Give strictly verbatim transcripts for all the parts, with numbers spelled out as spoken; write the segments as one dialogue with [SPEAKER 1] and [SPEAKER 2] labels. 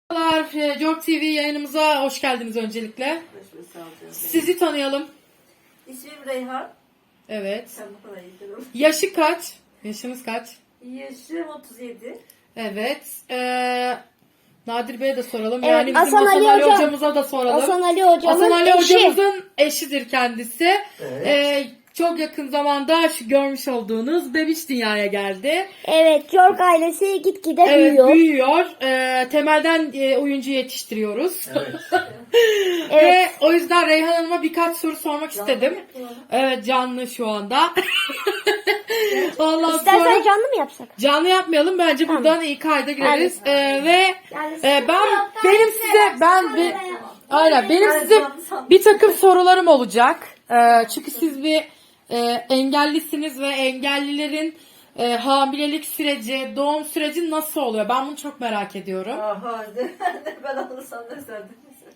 [SPEAKER 1] Merhabalar, Jork T V yayınımıza hoş geldiniz öncelikle. Sizi tanıyalım.
[SPEAKER 2] İsmim Reyhan.
[SPEAKER 1] Evet.
[SPEAKER 2] Sen bu kadar iyi.
[SPEAKER 1] Yaşı kaç? Yaşınız kaç?
[SPEAKER 2] Yaşım otuz yedi.
[SPEAKER 1] Evet. Ee, Nadir Bey'e de soralım.
[SPEAKER 3] Evet,
[SPEAKER 1] yani bizim
[SPEAKER 3] Hasan
[SPEAKER 1] Hasan
[SPEAKER 3] Ali
[SPEAKER 1] Ali,
[SPEAKER 3] Hocam-
[SPEAKER 1] hocamıza da soralım.
[SPEAKER 3] Hasan Ali hocamın
[SPEAKER 1] Hasan Ali
[SPEAKER 3] eşi.
[SPEAKER 1] hocamızın eşidir kendisi.
[SPEAKER 4] Evet.
[SPEAKER 1] Ee, çok yakın zamanda şu görmüş olduğunuz bebiş dünyaya geldi.
[SPEAKER 3] Evet, York ailesi gitgide
[SPEAKER 1] Evet,
[SPEAKER 3] büyüyor.
[SPEAKER 1] büyüyor. Ee, temelden e, oyuncu yetiştiriyoruz.
[SPEAKER 4] Evet.
[SPEAKER 3] Evet.
[SPEAKER 1] Ve o yüzden Reyhan Hanım'a birkaç soru sormak istedim. Evet, canlı şu anda. Ondan
[SPEAKER 3] İstersen
[SPEAKER 1] sonra
[SPEAKER 3] canlı mı yapsak?
[SPEAKER 1] canlı yapmayalım, bence
[SPEAKER 3] Tamam.
[SPEAKER 1] buradan iyi kayda gireriz.
[SPEAKER 3] Hadi.
[SPEAKER 1] Ee, ve
[SPEAKER 3] Yani
[SPEAKER 1] e, ben benim size ben bir aynen benim
[SPEAKER 2] Ben
[SPEAKER 1] size
[SPEAKER 2] canlı sandım.
[SPEAKER 1] bir takım sorularım olacak. Ee, çünkü siz bir e, engellisiniz ve engellilerin e, hamilelik süreci, doğum süreci nasıl oluyor? Ben bunu çok merak ediyorum.
[SPEAKER 2] Aha, ben anlasam ne sendin.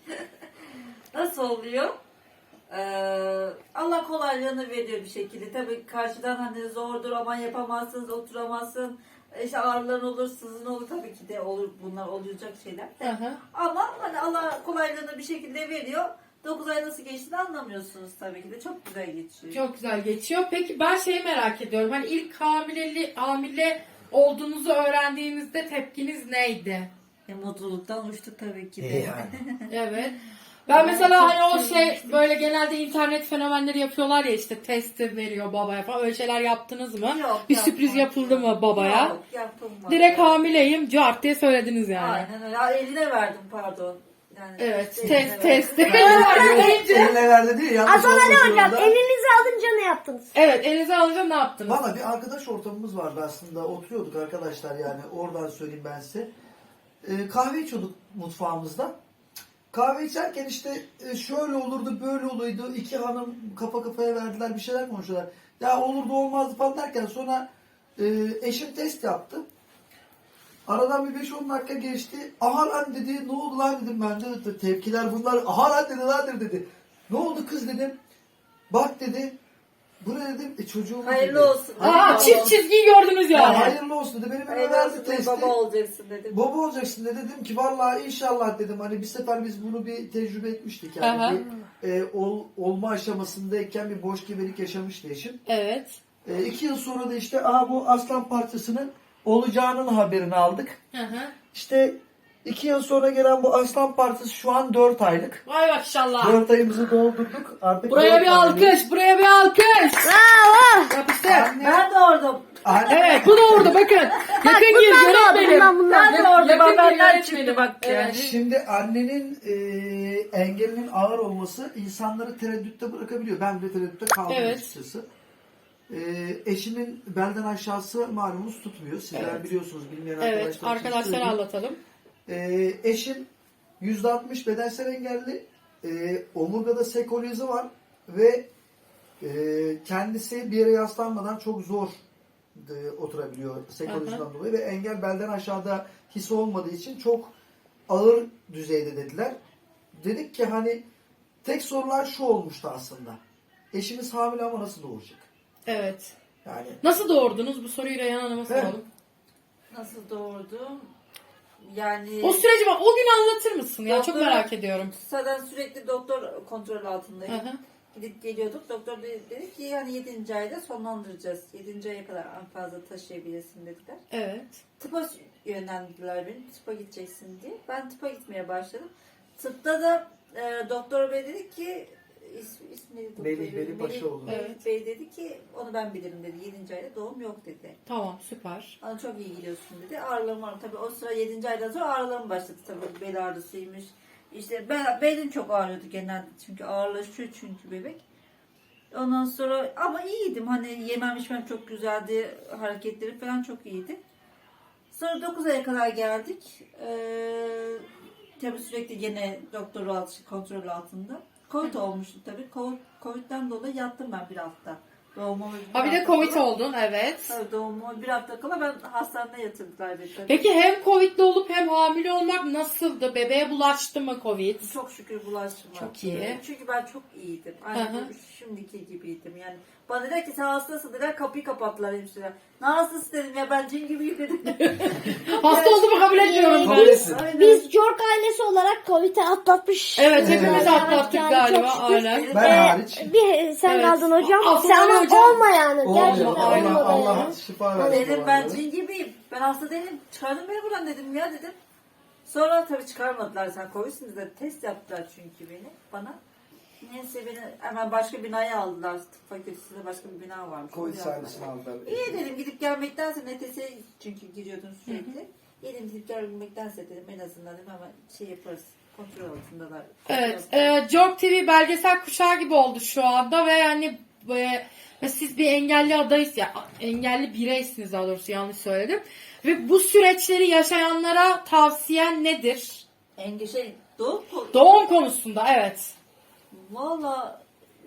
[SPEAKER 2] Nasıl oluyor? Ee, Allah kolaylığını veriyor bir şekilde. Tabii karşıdan hani zordur, aman yapamazsınız, oturamazsın. İşte ağrıların olur, sızın olur, tabii ki de olur, bunlar olacak şeyler.
[SPEAKER 1] Hı hı.
[SPEAKER 2] Ama hani Allah kolaylığını bir şekilde veriyor. dokuz ay nasıl geçtiğini anlamıyorsunuz tabii ki de. Çok güzel geçiyor.
[SPEAKER 1] Çok güzel geçiyor. Peki ben şeyi merak ediyorum. Hani ilk hamileli, hamile olduğunuzu öğrendiğinizde tepkiniz neydi?
[SPEAKER 2] E, mutluluktan uçtuk tabii ki de.
[SPEAKER 4] İyi yani.
[SPEAKER 1] Evet. Ben mesela hani o şey böyle genelde internet fenomenleri yapıyorlar ya, işte testi veriyor babaya falan, öyle şeyler yaptınız mı?
[SPEAKER 2] Yok,
[SPEAKER 1] Bir
[SPEAKER 2] yapmadım.
[SPEAKER 1] sürpriz yapıldı mı babaya?
[SPEAKER 2] Yok, yapılmadı.
[SPEAKER 1] Direkt hamileyim cart diye söylediniz yani.
[SPEAKER 2] Aynen öyle. Ha, eline verdim pardon. Yani
[SPEAKER 1] Evet,
[SPEAKER 2] işte
[SPEAKER 1] test
[SPEAKER 2] eline
[SPEAKER 1] test.
[SPEAKER 4] Eline verdi değil, yanlış
[SPEAKER 3] Hasan Ali
[SPEAKER 4] olmasın
[SPEAKER 3] hocam,
[SPEAKER 4] orada.
[SPEAKER 3] elinizi alınca ne yaptınız?
[SPEAKER 1] Evet, elinize alınca ne yaptınız?
[SPEAKER 4] Valla bir arkadaş ortamımız vardı aslında. Oturuyorduk arkadaşlar, yani oradan söyleyeyim ben size. Ee, kahve içiyorduk mutfağımızda. Kahve içerken işte e, şöyle olurdu, böyle oluydu. İki hanım kafa kafaya verdiler, bir şeyler konuşuyorlar. Ya olurdu olmazdı falan derken sonra e, eşim test yaptı. Aradan bir beş on dakika geçti. Aha lan dedi, ne oldu lan dedim ben de. Tepkiler bunlar. Aha lan dedi, lan dedi. Ne oldu kız dedim. Bak dedi. Bu ne dedim. E çocuğum
[SPEAKER 2] Hayırlı
[SPEAKER 4] dedi.
[SPEAKER 2] olsun.
[SPEAKER 1] Aa,
[SPEAKER 2] Hayırlı
[SPEAKER 1] çift
[SPEAKER 2] olsun.
[SPEAKER 1] çizgiyi gördünüz
[SPEAKER 4] Ya
[SPEAKER 1] yani.
[SPEAKER 4] hayırlı olsun dedi. Benim elime
[SPEAKER 2] Hayırlı
[SPEAKER 4] verdi
[SPEAKER 2] olsun.
[SPEAKER 4] testi.
[SPEAKER 2] Baba olacaksın dedim.
[SPEAKER 4] Baba olacaksın dedi. Dedim ki vallahi inşallah dedim. Hani bir sefer biz bunu bir tecrübe etmiştik. Yani
[SPEAKER 1] Aha.
[SPEAKER 4] bir, e, ol, olma aşamasındayken bir boş gebelik yaşamıştı eşim.
[SPEAKER 1] Evet.
[SPEAKER 4] E, iki yıl sonra da işte aha bu aslan parçasının olacağının haberini aldık.
[SPEAKER 1] Hı hı.
[SPEAKER 4] İşte iki yıl sonra gelen bu aslan parçası şu an dört aylık.
[SPEAKER 1] Vay maşallah.
[SPEAKER 4] Dört ayımızı doldurduk. Artık
[SPEAKER 1] Buraya
[SPEAKER 4] dört
[SPEAKER 1] bir
[SPEAKER 4] aylık.
[SPEAKER 1] alkış, buraya bir alkış.
[SPEAKER 3] Bravo!
[SPEAKER 1] Yapıştır.
[SPEAKER 4] Anne,
[SPEAKER 2] Ben doğurdum.
[SPEAKER 4] anne,
[SPEAKER 1] Evet, bu da orada bakın. Yakın gir,
[SPEAKER 3] bunlar da orada,
[SPEAKER 1] yönetmenim.
[SPEAKER 3] bunlar, bunlar.
[SPEAKER 2] Ben doğurdum.
[SPEAKER 1] Yakın
[SPEAKER 2] Benden
[SPEAKER 1] gir, yönetmenim.
[SPEAKER 2] çıktı bak yani.
[SPEAKER 1] Evet.
[SPEAKER 4] Şimdi annenin e, engelinin ağır olması insanları tereddütte bırakabiliyor. Ben de tereddütte kaldım
[SPEAKER 1] Evet.
[SPEAKER 4] açıkçası. E, eşimin belden aşağısı malumunuz tutmuyor. Sizler
[SPEAKER 1] Evet.
[SPEAKER 4] biliyorsunuz, bilmeyen
[SPEAKER 1] Evet,
[SPEAKER 4] arkadaşlar için
[SPEAKER 1] arkadaşlara
[SPEAKER 4] söyleyeyim.
[SPEAKER 1] anlatalım.
[SPEAKER 4] E, eşim yüzde altmış bedensel engelli. E, omurgada sekolizi var ve e, kendisi bir yere yaslanmadan çok zor e, oturabiliyor sekolizden dolayı ve engel belden aşağıda hissi olmadığı için çok ağır düzeyde dediler. Dedik ki hani tek sorular şu olmuştu aslında. Eşimiz hamile ama nasıl doğuracak?
[SPEAKER 1] Evet.
[SPEAKER 4] Yani
[SPEAKER 1] Nasıl doğurdunuz? Bu soruyu Reyhan Hanım'a soralım.
[SPEAKER 2] Nasıl doğurdum? Yani
[SPEAKER 1] O süreci bak, o gün anlatır mısın ya? Çok
[SPEAKER 2] Doktor-
[SPEAKER 1] merak ediyorum.
[SPEAKER 2] zaten sürekli doktor kontrol altındayım.
[SPEAKER 1] Hı hı.
[SPEAKER 2] Gidip geliyorduk. Doktor dedi, dedi ki hani yedinci ayda sonlandıracağız. yedinci aya kadar en fazla taşıyabilirsin dediler.
[SPEAKER 1] Evet.
[SPEAKER 2] Tıpa yönlendirdiler beni. Tıpa gideceksin diye. Ben tıpa gitmeye başladım. Tıpta da e, doktor bey dedi ki is, ismi neydi doktor
[SPEAKER 4] Melih
[SPEAKER 2] bey?
[SPEAKER 4] Veli Paşaoğlu.
[SPEAKER 2] Melih
[SPEAKER 1] Evet.
[SPEAKER 2] Bey dedi ki onu ben bilirim dedi. yedinci ayda doğum yok dedi.
[SPEAKER 1] Tamam, süper.
[SPEAKER 2] Bana çok iyi gidiyorsun dedi. Ağrılarım var. Tabii o sıra yedinci aydan sonra ağrılarım başladı. Tabii bel ağrısıymış. İşte ben, belim çok ağrıyordu genelde. Çünkü ağırlaşıyor çünkü bebek. Ondan sonra ama iyiydim. Hani yemem içmem çok güzeldi. Hareketleri falan çok iyiydi. Sonra dokuz aya kadar geldik. Ee, tabii sürekli gene doktor altı, kontrol altında. Covid olmuştu tabii. Covid, Covid'den dolayı yattım ben bir hafta. Doğumumu
[SPEAKER 1] Ha, bir de
[SPEAKER 2] hafta
[SPEAKER 1] Covid
[SPEAKER 2] kala-
[SPEAKER 1] oldun, evet.
[SPEAKER 2] Tabii doğumumu bir hafta kala ben hastanede yatırdılar beni tabii.
[SPEAKER 1] Peki hem Covid'li olup hem hamile olmak nasıldı? Bebeğe bulaştı mı Covid?
[SPEAKER 2] Çok şükür bulaşmadı.
[SPEAKER 1] Çok iyi.
[SPEAKER 2] Çünkü ben çok iyiydim.
[SPEAKER 1] Hı hı.
[SPEAKER 2] Aynı şimdiki gibiydim. Yani Bana dediler ki sen hastasın dediler, kapıyı kapattılar hemşire. Ne hastası dedim ya, ben cin gibiyim dedim.
[SPEAKER 1] Hasta olduğumu kabul etmiyorum
[SPEAKER 4] Kabul
[SPEAKER 1] ben.
[SPEAKER 4] etsin.
[SPEAKER 2] Aynen.
[SPEAKER 3] Biz York ailesi olarak Covid'i atlatmış.
[SPEAKER 1] Evet hepimiz
[SPEAKER 4] Evet.
[SPEAKER 1] atlattık
[SPEAKER 3] Yani
[SPEAKER 1] galiba
[SPEAKER 3] çok şükür.
[SPEAKER 1] aynen.
[SPEAKER 2] Benim-
[SPEAKER 4] Ben
[SPEAKER 3] Ee,
[SPEAKER 4] hariç.
[SPEAKER 3] bir sen
[SPEAKER 1] Evet.
[SPEAKER 3] kaldın hocam.
[SPEAKER 1] Aslında
[SPEAKER 3] Sen ama
[SPEAKER 1] hocam-
[SPEAKER 3] olma yani. Gerçekten
[SPEAKER 4] Olma,
[SPEAKER 1] aynen.
[SPEAKER 3] olma
[SPEAKER 4] Allah,
[SPEAKER 3] yani.
[SPEAKER 4] Allah şifa versin.
[SPEAKER 2] Dedim
[SPEAKER 4] bu
[SPEAKER 2] ben
[SPEAKER 4] arada.
[SPEAKER 2] cin gibiyim. Ben hasta değilim. Çıkardın beni buradan dedim ya dedim. Sonra tabii çıkarmadılar, sen Covid'sin dediler. Test yaptılar çünkü beni bana. Neyse beni hemen başka binaya aldılar. Tıp fakültesinde başka bir bina varmış.
[SPEAKER 4] Covid
[SPEAKER 2] Oraya aldılar.
[SPEAKER 4] servisini aldılar.
[SPEAKER 2] İyi dedim, gidip gelmektense N T S'ye çünkü giriyordun sürekli. İyi dedim, gidip gelmektense dedim en azından dedim ama şey yaparız. Kontrol altındalar.
[SPEAKER 1] Evet, e, Jork T V belgesel kuşağı gibi oldu şu anda ve yani e, ve siz bir engelli adayız ya, engelli bireysiniz daha doğrusu, yanlış söyledim. Ve bu süreçleri yaşayanlara tavsiyen nedir?
[SPEAKER 2] Enge şey doğum konu-
[SPEAKER 1] Doğum konusunda evet.
[SPEAKER 2] Valla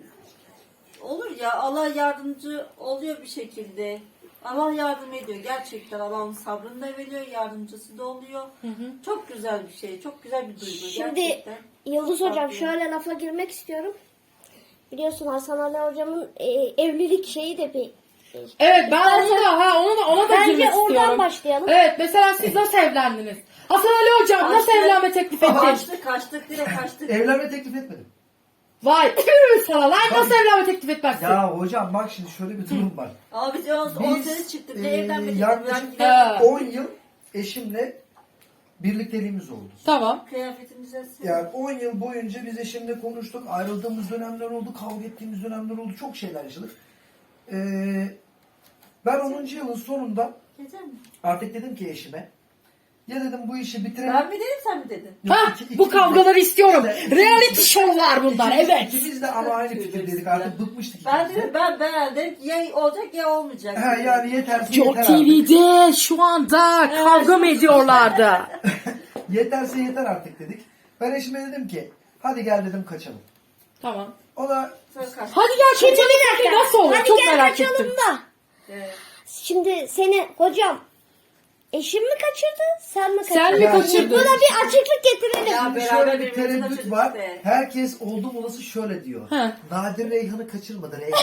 [SPEAKER 2] olur ya, Allah yardımcı oluyor bir şekilde. Allah yardım ediyor gerçekten. Allah'ın sabrını da veriyor, yardımcısı da oluyor. Çok güzel bir şey, çok güzel bir duygu
[SPEAKER 3] Şimdi
[SPEAKER 2] gerçekten.
[SPEAKER 3] Yıldız
[SPEAKER 2] Çok
[SPEAKER 3] hocam
[SPEAKER 2] tatlı.
[SPEAKER 3] şöyle lafa girmek istiyorum. Biliyorsun Hasan Ali hocamın e, evlilik şeyi de bir
[SPEAKER 1] Evet ben onu da ha ona da ona da
[SPEAKER 3] Bence
[SPEAKER 1] girmek
[SPEAKER 3] oradan
[SPEAKER 1] istiyorum.
[SPEAKER 3] başlayalım.
[SPEAKER 1] Evet mesela siz nasıl evlendiniz? Hasan Ali hocam nasıl
[SPEAKER 2] Kaçtık.
[SPEAKER 1] evlenme teklif ettin?
[SPEAKER 2] Kaçtık kaçtık direkt kaçtık.
[SPEAKER 4] Evlenme teklif etmedim.
[SPEAKER 1] Vay tüh sana lan, nasıl evlenme teklif etmezsin?
[SPEAKER 4] Ya hocam bak şimdi şöyle bir durum var.
[SPEAKER 2] Abi biz on
[SPEAKER 4] Biz,
[SPEAKER 2] sene çıktık. Ne
[SPEAKER 4] e,
[SPEAKER 2] evlenmedik.
[SPEAKER 4] yaklaşık-
[SPEAKER 2] Ben
[SPEAKER 1] Ha.
[SPEAKER 4] on yıl eşimle birlikteliğimiz oldu.
[SPEAKER 1] Tamam.
[SPEAKER 2] kıyafetimize
[SPEAKER 4] Yani on yıl boyunca biz eşimle konuştuk. Ayrıldığımız dönemler oldu. Kavga ettiğimiz dönemler oldu. Çok şeyler yaşadık. Ee, ben onuncu yılın sonunda
[SPEAKER 2] Gece mi?
[SPEAKER 4] artık dedim ki eşime, ya dedim bu işi bitirelim.
[SPEAKER 2] Ben mi dedim sen mi dedin?
[SPEAKER 4] Yok,
[SPEAKER 1] Ha
[SPEAKER 4] iki-
[SPEAKER 1] bu
[SPEAKER 4] ikimiz de-
[SPEAKER 1] kavgaları istiyorum.
[SPEAKER 4] İkimiz de-
[SPEAKER 1] Reality show'lar bunlar
[SPEAKER 4] ikimiz-
[SPEAKER 1] evet.
[SPEAKER 4] İkimiz de ama aynı fikirdeydik. Artık bıkmıştık.
[SPEAKER 2] Ben
[SPEAKER 4] ikimiz de.
[SPEAKER 2] dedim ben beğendim. Ya olacak ya olmayacak.
[SPEAKER 4] Ha, yani yeterse
[SPEAKER 1] Jork
[SPEAKER 4] yeter
[SPEAKER 1] T
[SPEAKER 4] artık.
[SPEAKER 1] V'de şu anda kavga mı ediyorlardı?
[SPEAKER 4] Yeterse yeter artık dedik. Ben eşime dedim ki hadi gel dedim kaçalım.
[SPEAKER 1] Tamam.
[SPEAKER 4] O da
[SPEAKER 2] Sonra kaçtık.
[SPEAKER 1] Hadi gel
[SPEAKER 3] Şimdi
[SPEAKER 1] kaçalım.
[SPEAKER 3] bir dakika.
[SPEAKER 1] Nasıl olur?
[SPEAKER 3] Hadi
[SPEAKER 1] Çok
[SPEAKER 3] gel
[SPEAKER 1] merak
[SPEAKER 3] kaçalım
[SPEAKER 1] ettim.
[SPEAKER 3] da.
[SPEAKER 2] Evet.
[SPEAKER 3] Şimdi seni hocam eşim mi kaçırdı sen mi kaçırdın?
[SPEAKER 1] Sen mi
[SPEAKER 4] Yani-
[SPEAKER 1] kaçırdın?
[SPEAKER 3] Buna bir açıklık getirelim.
[SPEAKER 2] Ya
[SPEAKER 4] Şimdi
[SPEAKER 2] beraber
[SPEAKER 4] şöyle bir
[SPEAKER 2] birbirimizi
[SPEAKER 4] tereddüt
[SPEAKER 2] kaçırdık
[SPEAKER 4] var.
[SPEAKER 2] işte.
[SPEAKER 4] Herkes oldum olası şöyle diyor.
[SPEAKER 1] He.
[SPEAKER 4] Nadir Reyhan'ı kaçırmadı. Reyhan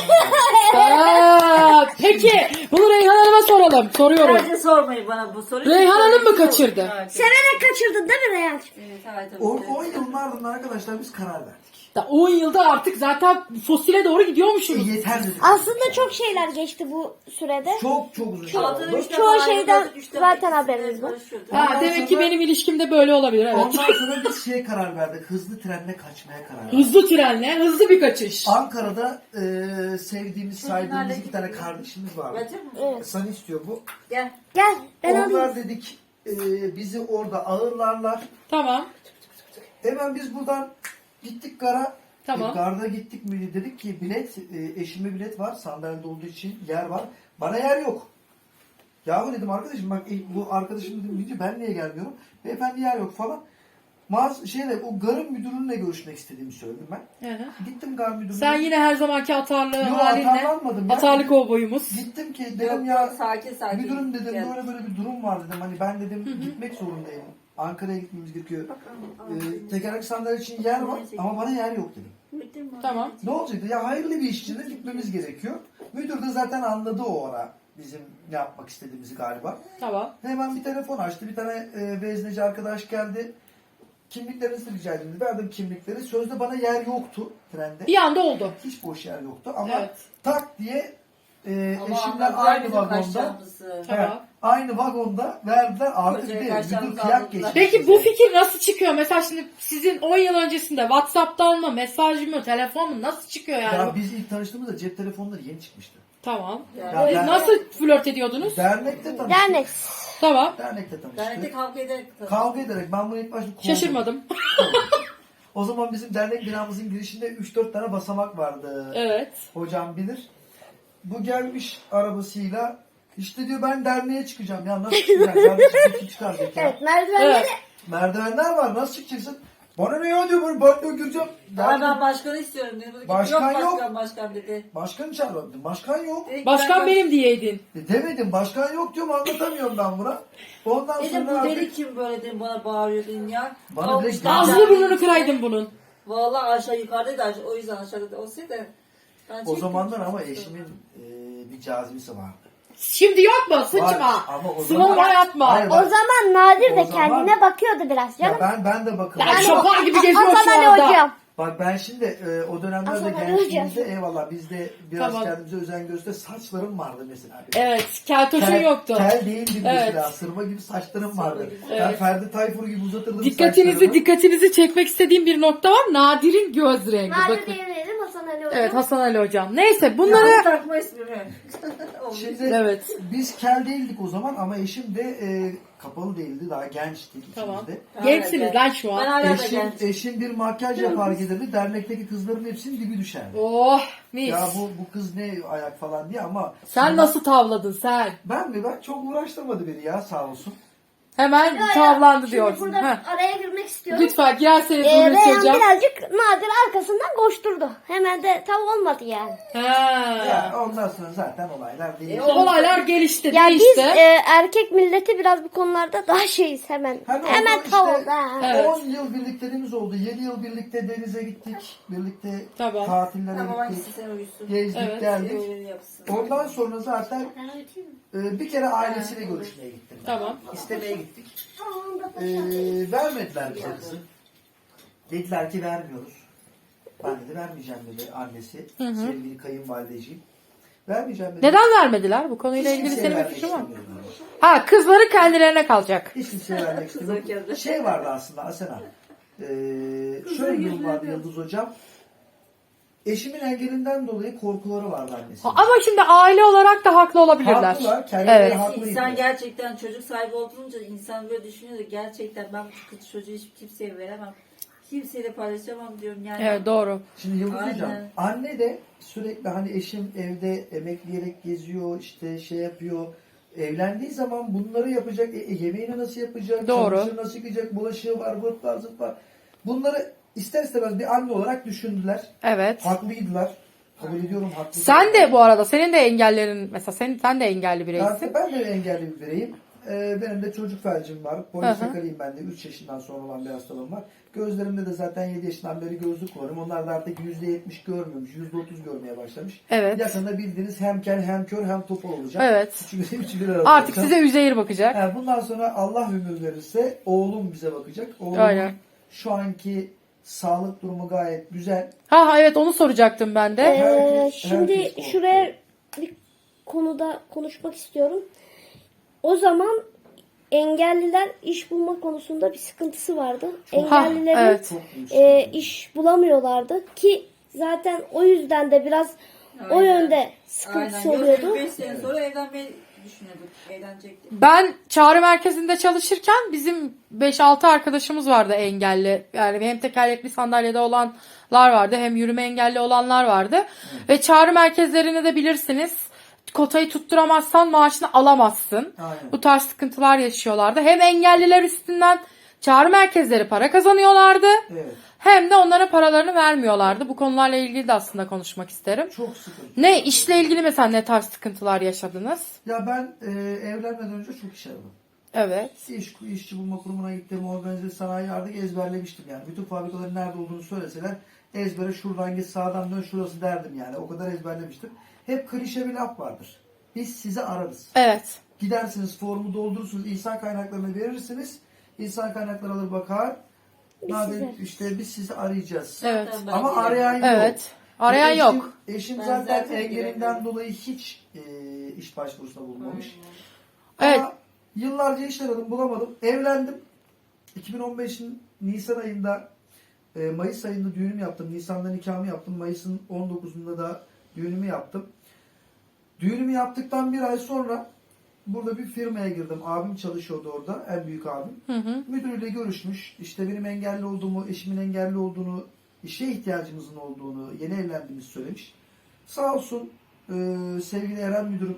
[SPEAKER 1] Aa, peki bunu Reyhan Hanım'a soralım. Soruyorum.
[SPEAKER 2] Bence sormayın bana bu soruyu.
[SPEAKER 1] Reyhan Hanım mı kaçırdı?
[SPEAKER 2] Evet,
[SPEAKER 3] Severek kaçırdın değil mi Reyhan?
[SPEAKER 2] evet, evet, tabii.
[SPEAKER 4] O on yılın ardından arkadaşlar biz karar verdik.
[SPEAKER 1] Da on yılda artık zaten fosile doğru
[SPEAKER 4] E,
[SPEAKER 1] gidiyormuşsunuz.
[SPEAKER 4] yeter dedik.
[SPEAKER 3] Aslında çok şeyler geçti bu sürede.
[SPEAKER 4] Çok çok uzun şey
[SPEAKER 2] Altına
[SPEAKER 4] oldu.
[SPEAKER 2] üç defa
[SPEAKER 3] Çoğu
[SPEAKER 2] ayrıldık,
[SPEAKER 3] şeyden
[SPEAKER 2] üç defa
[SPEAKER 3] zaten
[SPEAKER 2] ikisi de
[SPEAKER 3] haberimiz var.
[SPEAKER 2] barışıyorduk.
[SPEAKER 1] Ha,
[SPEAKER 4] Ondan
[SPEAKER 1] demek ki
[SPEAKER 4] sonra-
[SPEAKER 1] benim ilişkimde böyle olabilir evet.
[SPEAKER 4] Ondan sonra biz şeye karar verdik. Hızlı trenle kaçmaya karar verdik.
[SPEAKER 1] Hızlı trenle hızlı bir kaçış.
[SPEAKER 4] Ankara'da e, sevdiğimiz,
[SPEAKER 2] Şunlarla
[SPEAKER 4] saydığımız iki tane
[SPEAKER 2] gidelim.
[SPEAKER 4] kardeşimiz vardı.
[SPEAKER 2] Bacı mı?
[SPEAKER 3] Evet.
[SPEAKER 4] Sana istiyor bu.
[SPEAKER 2] Gel.
[SPEAKER 3] Gel ben
[SPEAKER 4] Onlar
[SPEAKER 3] alayım.
[SPEAKER 4] dedik e, bizi orada ağırlarlar.
[SPEAKER 1] Tamam.
[SPEAKER 4] Hemen biz buradan gittik gara.
[SPEAKER 1] Tamam.
[SPEAKER 4] E, garda gittik mi dedik ki bilet, e, eşime bilet var. Sandalyede olduğu için yer var. Bana yer yok. Yahu dedim arkadaşım bak e, bu arkadaşım dedim deyince ben niye gelmiyorum? Beyefendi yer yok falan. Mağaz şeyle o garın müdürünle görüşmek istediğimi söyledim ben.
[SPEAKER 1] Hı hı.
[SPEAKER 4] Gittim gar müdürüne.
[SPEAKER 1] Sen yine her zamanki atarlı
[SPEAKER 4] Yok,
[SPEAKER 1] halinle.
[SPEAKER 4] atarlanmadım ya.
[SPEAKER 1] Atarlı kovboyumuz.
[SPEAKER 4] Gittim ki
[SPEAKER 2] Yok,
[SPEAKER 4] dedim
[SPEAKER 2] yok,
[SPEAKER 4] ya
[SPEAKER 2] sakin sakin.
[SPEAKER 4] müdürüm dedim
[SPEAKER 2] Gel.
[SPEAKER 4] böyle böyle bir durum var dedim. Hani ben dedim gitmek zorundayım. Ankara'ya gitmemiz gerekiyor. Ee, tekerlekli sandalye için yer var ama bana yer yok dedim.
[SPEAKER 2] Bitti mi?
[SPEAKER 1] Tamam.
[SPEAKER 4] Ne olacaktı? Ya hayırlı bir iş için de gitmemiz gerekiyor. Müdür de zaten anladı o ara bizim ne yapmak istediğimizi galiba.
[SPEAKER 1] Tamam.
[SPEAKER 4] Hemen bir telefon açtı. Bir tane e, vezneci arkadaş geldi. Kimliklerinizi rica edin dedi. Verdim kimlikleri. Sözde bana yer yoktu trende.
[SPEAKER 1] Bir anda oldu.
[SPEAKER 4] Hiç boş yer yoktu ama
[SPEAKER 1] Evet.
[SPEAKER 4] tak diye e,
[SPEAKER 2] Ama
[SPEAKER 4] eşimle
[SPEAKER 2] anladılar
[SPEAKER 4] aynı
[SPEAKER 2] bizim
[SPEAKER 4] vagonda
[SPEAKER 2] kaçacağımızı.
[SPEAKER 1] Tamam.
[SPEAKER 4] evet, aynı vagonda verdiler artık
[SPEAKER 2] Kocaya
[SPEAKER 4] değil.
[SPEAKER 2] kaçacağımızı
[SPEAKER 4] Müdür kıyak
[SPEAKER 2] anladılar.
[SPEAKER 4] geçmiş.
[SPEAKER 1] Peki bu
[SPEAKER 4] bize.
[SPEAKER 1] fikir nasıl çıkıyor? Mesela şimdi sizin on yıl öncesinde WhatsApp'tan mı, mesaj mı, telefon mu nasıl çıkıyor yani?
[SPEAKER 4] Ya biz ilk tanıştığımızda cep telefonları yeni çıkmıştı.
[SPEAKER 1] Tamam.
[SPEAKER 2] Yani
[SPEAKER 4] Ya
[SPEAKER 1] Siz
[SPEAKER 4] ben-
[SPEAKER 1] nasıl flört ediyordunuz?
[SPEAKER 4] Dernekte tanıştık.
[SPEAKER 3] Dernek.
[SPEAKER 1] Tamam.
[SPEAKER 4] Dernekte tanıştık.
[SPEAKER 2] Dernekte kavga ederek tanıştık.
[SPEAKER 4] Kavga ederek ben bunu ilk başta kovdum.
[SPEAKER 1] Şaşırmadım.
[SPEAKER 4] O zaman bizim dernek binamızın girişinde üç dört tane basamak vardı.
[SPEAKER 1] Evet.
[SPEAKER 4] Hocam bilir. Bu gelmiş arabasıyla işte diyor ben derneğe çıkacağım. Ya nasıl çıkacağım? Kardeşim nasıl çıkacak ya?
[SPEAKER 3] Evet merdivenleri
[SPEAKER 1] Evet.
[SPEAKER 4] Merdivenler var nasıl çıkacaksın? Bana ne ya diyor böyle banyo gireceğim.
[SPEAKER 2] Daha
[SPEAKER 4] Ya
[SPEAKER 2] ben başkanı istiyorum dedi. Dedi ki,
[SPEAKER 4] Başkan
[SPEAKER 2] yok.
[SPEAKER 4] yok.
[SPEAKER 2] Başkan başkan dedi.
[SPEAKER 4] başkan çağırdım. Başkan yok.
[SPEAKER 2] Dedi ki,
[SPEAKER 1] Başkan
[SPEAKER 2] ben-
[SPEAKER 1] benim diyeydin.
[SPEAKER 4] E demedim başkan yok diyorum anlatamıyorum ben buna. Ondan
[SPEAKER 2] Dedim
[SPEAKER 4] sonra
[SPEAKER 2] bu
[SPEAKER 4] artık
[SPEAKER 2] deli kim böyle dedim bana bağırıyor dedim ya.
[SPEAKER 4] Bana direkt
[SPEAKER 2] Almışlar
[SPEAKER 1] Ağzını
[SPEAKER 2] derneğin
[SPEAKER 1] burnunu
[SPEAKER 2] içine.
[SPEAKER 1] kıraydın bunun.
[SPEAKER 2] Vallahi aşağı yukarıdaydı aşağı, o yüzden aşağıda olsaydı Ben
[SPEAKER 4] O
[SPEAKER 2] çektim,
[SPEAKER 4] zamanlar ama
[SPEAKER 2] çektim.
[SPEAKER 4] eşimin e, bir cazibesi vardı.
[SPEAKER 1] Şimdi yok mu?
[SPEAKER 4] Var,
[SPEAKER 1] Sıçma.
[SPEAKER 4] ama o
[SPEAKER 1] Sıvama
[SPEAKER 4] zaman-
[SPEAKER 1] yatma.
[SPEAKER 4] Hayır,
[SPEAKER 3] O
[SPEAKER 4] bak-
[SPEAKER 3] zaman Nadir
[SPEAKER 4] O
[SPEAKER 3] de
[SPEAKER 4] zaman-
[SPEAKER 3] kendine bakıyordu biraz
[SPEAKER 4] Ya
[SPEAKER 3] canım.
[SPEAKER 4] ben ben de bakıyorum.
[SPEAKER 1] Ben şoför gibi geziyor
[SPEAKER 3] Hasan
[SPEAKER 1] şu
[SPEAKER 3] Ali
[SPEAKER 1] anda.
[SPEAKER 3] hocam.
[SPEAKER 4] Bak ben şimdi e, o dönemlerde
[SPEAKER 3] Hasan Ali
[SPEAKER 4] gençliğimizde
[SPEAKER 3] hocam.
[SPEAKER 4] eyvallah biz de biraz
[SPEAKER 1] Tamam.
[SPEAKER 4] kendimize özen göster. Saçlarım vardı mesela. benim.
[SPEAKER 1] Evet. Keltoşun
[SPEAKER 4] Kel,
[SPEAKER 1] yoktu.
[SPEAKER 4] kel değildim
[SPEAKER 1] Evet.
[SPEAKER 4] mesela. Sırma gibi saçlarım vardı.
[SPEAKER 2] gibi.
[SPEAKER 4] Ben
[SPEAKER 1] Evet.
[SPEAKER 4] Ferdi Tayfur gibi uzatırdım
[SPEAKER 1] Dikkatinizi
[SPEAKER 4] saçlarımı.
[SPEAKER 1] dikkatinizi çekmek istediğim bir nokta var. Nadir'in göz rengi.
[SPEAKER 3] Nadir
[SPEAKER 1] Bakın.
[SPEAKER 3] diyebilirim Hasan Ali hocam.
[SPEAKER 1] Evet, Hasan Ali hocam. Neyse
[SPEAKER 2] Ya,
[SPEAKER 1] bunları...
[SPEAKER 2] takma ismimi. Olmuş.
[SPEAKER 4] Şimdi
[SPEAKER 1] Evet.
[SPEAKER 4] biz kel değildik o zaman ama eşim de e, kapalı değildi. Daha gençti ikimiz
[SPEAKER 1] Tamam.
[SPEAKER 4] de.
[SPEAKER 1] Gençsiniz lan şu
[SPEAKER 2] Ben
[SPEAKER 1] an.
[SPEAKER 2] hala da
[SPEAKER 4] Eşim,
[SPEAKER 2] genç.
[SPEAKER 4] eşim bir makyaj yapar gelirdi. Dernekteki kızların hepsinin dibi düşerdi.
[SPEAKER 1] Oh mis.
[SPEAKER 4] Ya bu bu kız ne ayak falan diye ama
[SPEAKER 1] Sen
[SPEAKER 4] sonra-
[SPEAKER 1] nasıl tavladın sen?
[SPEAKER 4] Ben mi? Ben çok uğraştırmadı beni ya sağ olsun.
[SPEAKER 1] Hemen
[SPEAKER 3] Ya, ya,
[SPEAKER 1] tavlandı
[SPEAKER 3] şimdi
[SPEAKER 1] diyorsun.
[SPEAKER 3] burada
[SPEAKER 1] Heh.
[SPEAKER 3] araya girmek istiyorum.
[SPEAKER 1] Lütfen girerseniz
[SPEAKER 3] Ee,
[SPEAKER 1] bunu
[SPEAKER 3] Reyhan
[SPEAKER 1] söyleyeceğim.
[SPEAKER 3] birazcık Nadir arkasından koşturdu. Hemen de tav olmadı yani.
[SPEAKER 1] Ha.
[SPEAKER 4] Ya ondan sonra zaten olaylar değişti.
[SPEAKER 2] E,
[SPEAKER 1] O olaylar gelişti,
[SPEAKER 3] Ya
[SPEAKER 1] değişti.
[SPEAKER 3] biz e, erkek milleti biraz bu konularda daha şeyiz hemen.
[SPEAKER 4] Hani
[SPEAKER 3] hemen
[SPEAKER 4] ondan
[SPEAKER 3] tav
[SPEAKER 4] işte
[SPEAKER 3] oldu. ha.
[SPEAKER 1] Evet.
[SPEAKER 4] on yıl birlikteliğimiz oldu. yedi yıl birlikte denize gittik. Birlikte
[SPEAKER 1] Tamam.
[SPEAKER 4] tatillere
[SPEAKER 2] Tamam
[SPEAKER 4] gittik.
[SPEAKER 2] hangisi sen uyusun.
[SPEAKER 4] Gezdik
[SPEAKER 1] Evet.
[SPEAKER 4] geldik.
[SPEAKER 2] Öyle yapsın.
[SPEAKER 4] Ondan sonra zaten
[SPEAKER 3] Ben öğreteyim mi?
[SPEAKER 4] e, bir kere ailesiyle görüşmeye gittim. ben.
[SPEAKER 1] Tamam.
[SPEAKER 4] İstemeye gittik.
[SPEAKER 3] Tamam da
[SPEAKER 4] E, vermediler bize kızı. Dediler ki vermiyoruz. Ben dedi vermeyeceğim dedi annesi. Sevgili kayınvalideciğim. Vermeyeceğim dedi.
[SPEAKER 1] Neden vermediler? Bu konuyla
[SPEAKER 4] Hiç
[SPEAKER 1] ilgili
[SPEAKER 4] kimseye
[SPEAKER 1] senin bir
[SPEAKER 4] vermek
[SPEAKER 1] fikrin var mı?
[SPEAKER 4] istemiyorum.
[SPEAKER 1] Ha, kızları kendilerine kalacak.
[SPEAKER 4] Hiç kimseye vermek istemiyorum.
[SPEAKER 2] Kızarken.
[SPEAKER 4] Şey vardı aslında Asena. Ee, şöyle bir durum vardı Yıldız Hocam. Eşimin engelinden dolayı korkuları vardı annesi.
[SPEAKER 1] Ama şimdi aile olarak da haklı olabilirler.
[SPEAKER 4] Haklılar. Kendileri
[SPEAKER 1] Evet.
[SPEAKER 4] haklıydı.
[SPEAKER 2] İnsan gerçekten çocuk sahibi olduğunca insan böyle düşünüyor da gerçekten ben bu kız çocuğu hiç kimseye veremem. Kimseyle paylaşamam diyorum yani.
[SPEAKER 1] Evet, doğru.
[SPEAKER 4] Şimdi Yıldız
[SPEAKER 2] Aynen.
[SPEAKER 4] Hocam, anne de sürekli hani eşim evde emekleyerek geziyor, işte şey yapıyor. Evlendiği zaman bunları yapacak, e, e, yemeğini nasıl yapacak,
[SPEAKER 1] Doğru.
[SPEAKER 4] çamaşırı nasıl yıkayacak, bulaşığı var, vırt var, zırt var. Bunları ister istemez bir anne olarak düşündüler.
[SPEAKER 1] Evet.
[SPEAKER 4] Haklıydılar. Kabul ediyorum haklı.
[SPEAKER 1] Sen de bu arada senin de engellerin mesela sen, sen de engelli bireysin.
[SPEAKER 4] Ben, ben de engelli bir bireyim. Ee, benim de çocuk felcim var.
[SPEAKER 1] Hı hı.
[SPEAKER 4] Polisakariyim ben de. üç yaşından sonra olan bir hastalığım var. Gözlerimde de zaten yedi yaşından beri gözlük kullanıyorum. Onlar da artık yüzde yetmiş görmüyormuş. yüzde otuz görmeye başlamış.
[SPEAKER 1] Evet.
[SPEAKER 4] Yakında bildiğiniz hem kel hem kör hem topal olacak.
[SPEAKER 1] Evet.
[SPEAKER 4] Üçü, üçü bir arada
[SPEAKER 1] Artık
[SPEAKER 4] olacak.
[SPEAKER 1] size Üzeyir bakacak.
[SPEAKER 4] Yani bundan sonra Allah ömür verirse oğlum bize bakacak. Oğlum
[SPEAKER 1] Aynen.
[SPEAKER 4] şu anki sağlık durumu gayet güzel.
[SPEAKER 1] Ha ha evet, onu soracaktım ben de.
[SPEAKER 3] Ee,
[SPEAKER 4] Herkes-
[SPEAKER 3] şimdi
[SPEAKER 4] herkes korkuyor.
[SPEAKER 3] şuraya bir konuda konuşmak istiyorum. O zaman engelliler iş bulma konusunda bir sıkıntısı vardı.
[SPEAKER 1] Ha,
[SPEAKER 3] Engellilerin
[SPEAKER 1] evet.
[SPEAKER 4] Çok büyük
[SPEAKER 3] e,
[SPEAKER 4] sıkıntı.
[SPEAKER 3] iş bulamıyorlardı ki zaten o yüzden de biraz o
[SPEAKER 2] Aynen.
[SPEAKER 3] yönde sıkıntısı
[SPEAKER 2] Aynen.
[SPEAKER 3] oluyordu.
[SPEAKER 2] beş sene sonra evlenmeyi düşünüyorduk. Evlenecektik.
[SPEAKER 1] Ben çağrı merkezinde çalışırken bizim beş altı arkadaşımız vardı engelli. Yani hem tekerlekli sandalyede olanlar vardı hem yürüme engelli olanlar vardı. Ve çağrı merkezlerini de bilirsiniz. Kotayı tutturamazsan maaşını alamazsın.
[SPEAKER 4] Aynen.
[SPEAKER 1] Bu tarz sıkıntılar yaşıyorlardı. Hem engelliler üstünden çağrı merkezleri para kazanıyorlardı.
[SPEAKER 4] Evet.
[SPEAKER 1] Hem de onlara paralarını vermiyorlardı. Bu konularla ilgili de aslında konuşmak isterim.
[SPEAKER 4] Çok sıkıntı.
[SPEAKER 1] Ne işle ilgili mesela ne tarz sıkıntılar yaşadınız?
[SPEAKER 4] Ya ben e, evlenmeden önce çok iş aradım.
[SPEAKER 1] Evet.
[SPEAKER 4] İş, işçi bulma kurumuna gittim, organize sanayi artık ezberlemiştim yani. Bütün fabrikaların nerede olduğunu söyleseler ezbere şuradan git sağdan dön şurası derdim yani. O kadar ezberlemiştim. Hep klişe bir laf vardır. Biz sizi ararız.
[SPEAKER 1] Evet.
[SPEAKER 4] Gidersiniz formu doldurursunuz, insan kaynaklarını verirsiniz. İnsan kaynakları alır bakar. Nadir,
[SPEAKER 3] sizi-
[SPEAKER 4] işte biz sizi arayacağız.
[SPEAKER 1] Evet.
[SPEAKER 2] Ben
[SPEAKER 4] Ama
[SPEAKER 2] değilim.
[SPEAKER 4] arayan yok.
[SPEAKER 1] Evet. Arayan
[SPEAKER 4] Eşim-
[SPEAKER 1] yok.
[SPEAKER 4] Eşim
[SPEAKER 2] Ben
[SPEAKER 4] zaten,
[SPEAKER 2] zaten
[SPEAKER 4] engelinden
[SPEAKER 2] giremiyorum.
[SPEAKER 4] dolayı hiç e, iş başvurusunda bulunmamış.
[SPEAKER 1] Evet.
[SPEAKER 4] Ama yıllarca iş aradım bulamadım. Evlendim. iki bin on beşin Nisan ayında e, Mayıs ayında düğünümü yaptım. Nisan'da nikahımı yaptım. Mayıs'ın on dokuzunda da düğünümü yaptım. Düğünümü yaptıktan bir ay sonra burada bir firmaya girdim. Abim çalışıyordu orada. En büyük abim.
[SPEAKER 1] Hı hı.
[SPEAKER 4] Müdürüyle görüşmüş. İşte benim engelli olduğumu, eşimin engelli olduğunu, işe ihtiyacımızın olduğunu, yeni evlendiğimizi söylemiş. Sağ olsun e, sevgili Eren müdürüm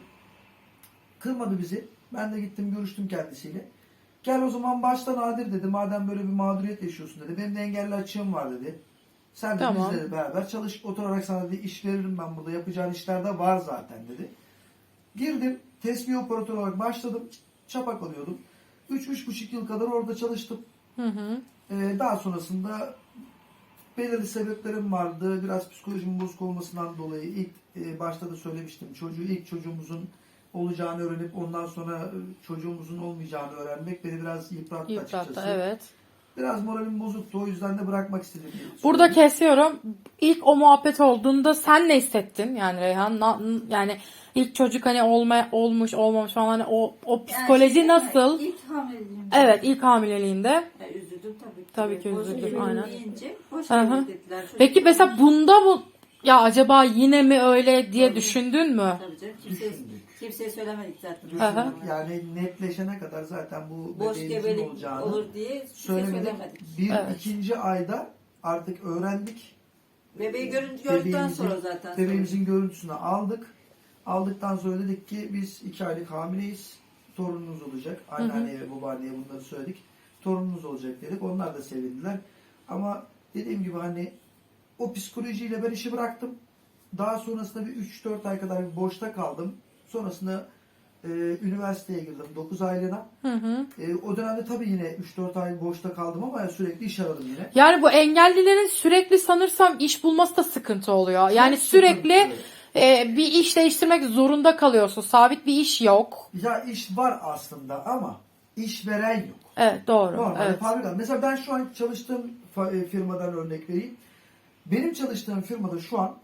[SPEAKER 4] kırmadı bizi. Ben de gittim görüştüm kendisiyle. Gel o zaman başta Nadir dedi. Madem böyle bir mağduriyet yaşıyorsun dedi. Benim de engelli açığım var dedi. Sen de
[SPEAKER 1] Tamam.
[SPEAKER 4] bizle beraber çalış. Oturarak sana dedi iş veririm ben burada. Yapacağın işler de var zaten dedi. Girdim. Tesbih operatörü olarak başladım. Çapak alıyordum. üç üç buçuk yıl kadar orada çalıştım.
[SPEAKER 1] Hı hı.
[SPEAKER 4] Ee, daha sonrasında belirli sebeplerim vardı. Biraz psikolojimin bozuk olmasından dolayı ilk e, başta da söylemiştim. Çocuğu ilk çocuğumuzun olacağını öğrenip ondan sonra e, çocuğumuzun olmayacağını öğrenmek beni biraz yıprattı,
[SPEAKER 1] Yıprattı,
[SPEAKER 4] açıkçası.
[SPEAKER 1] evet.
[SPEAKER 4] Biraz moralim bozuktu. O yüzden de bırakmak istedim.
[SPEAKER 1] Burada kesiyorum. İlk o muhabbet olduğunda sen ne hissettin? Yani Reyhan, na- yani ilk çocuk hani olma, olmuş olmamış falan, hani o o psikoloji
[SPEAKER 2] Yani,
[SPEAKER 1] nasıl?
[SPEAKER 2] İlk hamileliğimde.
[SPEAKER 1] Evet, ilk hamileliğinde.
[SPEAKER 2] Ya, üzüldüm tabii ki.
[SPEAKER 1] Tabii ki
[SPEAKER 2] Boş
[SPEAKER 1] üzüldüm,
[SPEAKER 2] gebelik
[SPEAKER 1] aynen.
[SPEAKER 2] deyince boş
[SPEAKER 1] Hı hı.
[SPEAKER 2] gebelik dediler. Çocuk
[SPEAKER 1] Peki mesela
[SPEAKER 2] olmuş.
[SPEAKER 1] bunda bu ya acaba yine mi öyle diye
[SPEAKER 2] Tabii.
[SPEAKER 1] düşündün mü?
[SPEAKER 2] Tabii canım. Kimseye, kimseye söylemedik zaten.
[SPEAKER 1] Hı hı.
[SPEAKER 4] Yani netleşene kadar zaten bu
[SPEAKER 2] Boş
[SPEAKER 4] bebeğimizin
[SPEAKER 2] gebelik
[SPEAKER 4] olacağını
[SPEAKER 2] olur diye kimseye
[SPEAKER 4] söylemedik.
[SPEAKER 2] söylemedik.
[SPEAKER 4] Bir
[SPEAKER 1] Evet.
[SPEAKER 4] ikinci ayda artık öğrendik.
[SPEAKER 2] Bebeği görün, gördükten
[SPEAKER 4] Bebeğimizin-
[SPEAKER 2] sonra zaten.
[SPEAKER 4] Bebeğimizin görüntüsünü aldık. Aldıktan sonra dedik ki biz iki aylık hamileyiz. Torununuz olacak. Anneanneye ve babaanneye bunları söyledik. Torununuz olacak dedik. Onlar da sevindiler. Ama dediğim gibi hani o psikolojiyle ben işi bıraktım. Daha sonrasında bir üç dört ay kadar bir boşta kaldım. Sonrasında e, üniversiteye girdim dokuz aylığına.
[SPEAKER 1] Hı hı.
[SPEAKER 4] E, o dönemde tabii yine üç dört ay boşta kaldım ama sürekli iş aradım yine.
[SPEAKER 1] Yani bu engellilerin sürekli sanırsam iş bulması da sıkıntı oluyor. Yani
[SPEAKER 4] Çok
[SPEAKER 1] sürekli
[SPEAKER 4] sıkıntı.
[SPEAKER 1] e, bir iş değiştirmek zorunda kalıyorsun. Sabit bir iş yok.
[SPEAKER 4] Ya iş var aslında ama işveren yok.
[SPEAKER 1] Evet, doğru.
[SPEAKER 4] Normalde
[SPEAKER 1] Evet.
[SPEAKER 4] fabrika. Mesela ben şu an çalıştığım fa- e, firmadan örnek vereyim. Benim çalıştığım firmada şu an